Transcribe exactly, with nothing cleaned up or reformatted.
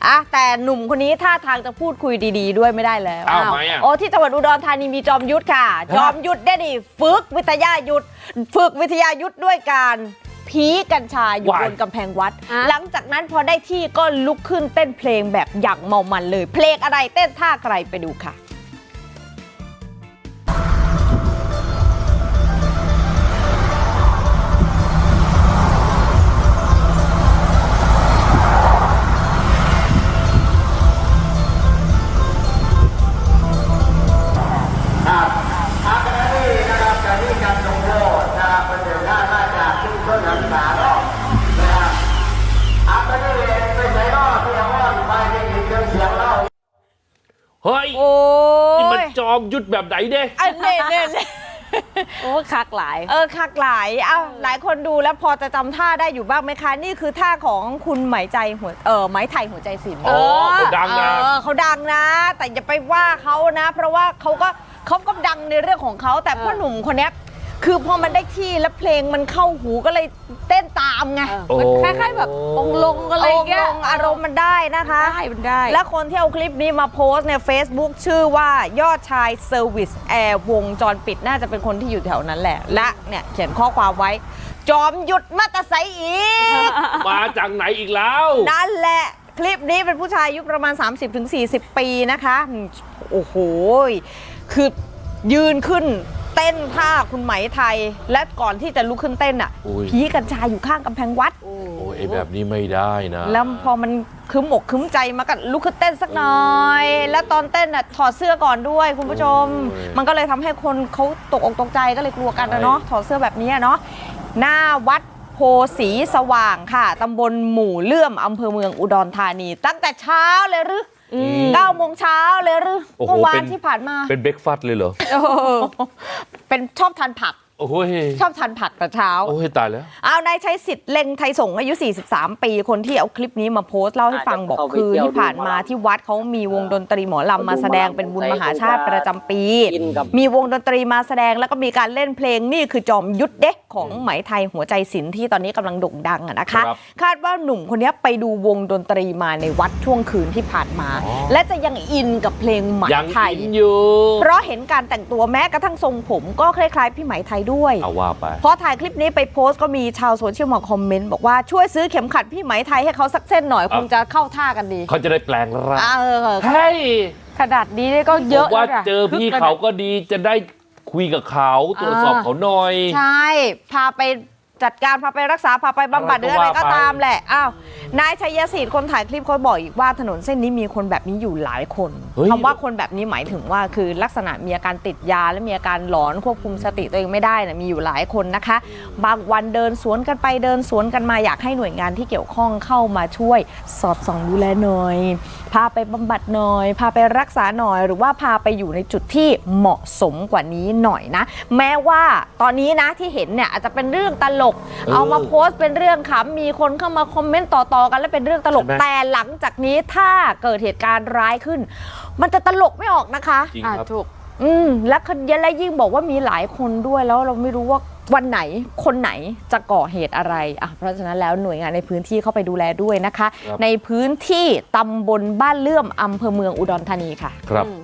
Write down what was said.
อ่ะแต่หนุ่มคนนี้ท่าทางจะพูดคุยดีๆด้วยไม่ได้แล้วอ้าวไหมอ่ะโอ้ที่จังหวัดอุดรธานีมีจอมยุทธค่ะจอมยุทธได้ดิฝึกวิทยายุทธฝึกวิทยายุทธด้วยการผีกัญชาอยู่บนกำแพงวัดหลังจากนั้นพอได้ที่ก็ลุกขึ้นเต้นเพลงแบบอย่างเมามันเลยเพลงอะไรเต้นท่าใครไปดูค่ะเฮ้ยโอ้นี่มันจอมยุทธแบบไหนเด้อันเน่เน่เน่โอ้คักหลายเออคักหลายเอ้าหลายคนดูแล้วพอจะจำท่าได้อยู่บ้างไหมคะนี่คือท่าของคุณไหมใจหัวเออไหมไทยหัวใจศิลป์อ๋อเขาดังนะเออเขาดังนะ แต่อย่าไปว่าเขานะ เพราะว่าเขาก็เขาก็ดังในเรื่องของเขาแต่พ่อหนุ่มคนเนี้ยคือพอมันได้ที่แล้วเพลงมันเข้าหูก็เลยเต้นตามไงมันคล้ายๆแบบองค์ลงอะไรอย่างเงี้ยองค์ลงอารมณ์มันได้นะคะได้มันได้และคนที่เอาคลิปนี้มาโพสต์ใน Facebook ชื่อว่ายอดชายเซอร์วิสแอร์วงจรปิดน่าจะเป็นคนที่อยู่แถวนั้นแหละและเนี่ยเขียนข้อความไว้จอมหยุดมาตะไซอีกมาจากไหนอีกแล้วนั่นแหละคลิปนี้เป็นผู้ชายอายุประมาณ สามสิบถึงสี่สิบ ปีนะคะโอ้โหคือยืนขึ้นเต้นท่าคุณไหมไทยและก่อนที่จะลุกขึ้นเต้นอ่ะโอ้ยผีกัญชาอยู่ข้างกำแพงวัดโอ้ยไอ้แบบนี้ไม่ได้นะแล้วพอมันคึมอกคึมใจมาก็ลุกขึ้นเต้นสักหน่อย แล้วตอนเต้นอ่ะถอดเสื้อก่อนด้วยคุณผู้ชม มันก็เลยทำให้คนเขาตกอกตกใจก็เลยกลัวกันนะเนาะถอดเสื้อแบบนี้เนาะหน้าวัดโพสีสว่างค่ะตำบลหมู่เลื่อมอำเภอเมืองอุดรธานี ตั้งแต่เช้าเลยหรือเก้าโมงเช้าเลยหรือเมื่อวานที่ผ่านมาเป็นเบรกฟาสต์เลยเหรอเออเป็นชอบทานผักโอ้ยชอบทานผักแต่เช้าโอ้ยตายแล้วเอานายชัยสิทธิ์เล็งไทยสงฆ์อายุ สี่สิบสาม ปี คนที่เอาคลิปนี้มาโพสต์เล่าให้ฟังบอกคือที่ผ่านมาที่วัดเขามีวงดนตรีหมอลำมาแสดงเป็นบุญมหาชาติประจำปี มีวงดนตรีมาแสดงแล้วก็มีการเล่นเพลงนี่คือจอมยุทธเด็กของไหมไทยหัวใจศิลป์ที่ตอนนี้กำลังโด่งดังอะนะคะ คาดว่าหนุ่มคนนี้ไปดูวงดนตรีมาในวัดช่วงคืนที่ผ่านมา และจะยังอินกับเพลงไหมยังไทยอินอยู่เพราะเห็นการแต่งตัวแม้กระทั่งทรงผมก็คล้ายๆพี่ไหมไทยด้วยเอาว่าไปพอถ่ายคลิปนี้ไปโพสต์ก็มีชาวโซเชียลมาคอมเมนต์บอกว่าช่วยซื้อเข็มขัดพี่ไหมไทยให้เขาสักเส้นหน่อยคงจะเข้าท่ากันดีเขาจะได้แปลงร่างเออเฮ้ยขนาดนี้ก็เยอะผมว่าแล้วนะเจอพี่เขาก็ดีจะได้คุยกับเขาตรวจสอบเขาหน่อยใช่พาไปจัดการพาไปรักษาพาไปบำบัดหรืออะไรก็ตามแหละอ้าวนายชัยศิษฐ์คนถ่ายคลิปเขาบอกอีกว่าถนนเส้นนี้มีคนแบบนี้อยู่หลายคนคำว่าคนแบบนี้หมายถึงว่าคือลักษณะมีอาการติดยาและมีอาการหลอนควบคุมสติตัวเองไม่ได้นะมีอยู่หลายคนนะคะบางวันเดินสวนกันไปเดินสวนกันมาอยากให้หน่วยงานที่เกี่ยวข้องเข้ามาช่วยสอดส่องดูแลหน่อยพาไปบำบัดหน่อยพาไปรักษาหน่อยหรือว่าพาไปอยู่ในจุดที่เหมาะสมกว่านี้หน่อยนะแม้ว่าตอนนี้นะที่เห็นเนี่ยอาจจะเป็นเรื่องตลกเอามาโพสต์เป็นเรื่องขำมีคนเข้ามาคอมเมนต์ต่อๆกันแล้วเป็นเรื่องตลกแต่หลังจากนี้ถ้าเกิดเหตุการณ์ร้ายขึ้นมันจะตลกไม่ออกนะคะจริงครับถูกอืมและและยิ่งบอกว่ามีหลายคนด้วยแล้วเราไม่รู้ว่าวันไหนคนไหนจะก่อเหตุอะไรอ่ะเพราะฉะนั้นแล้วหน่วยงานในพื้นที่เข้าไปดูแลด้วยนะคะในพื้นที่ตำบลบ้านเลื่อมอำเภอเมืองอุดรธานีค่ะครับอืม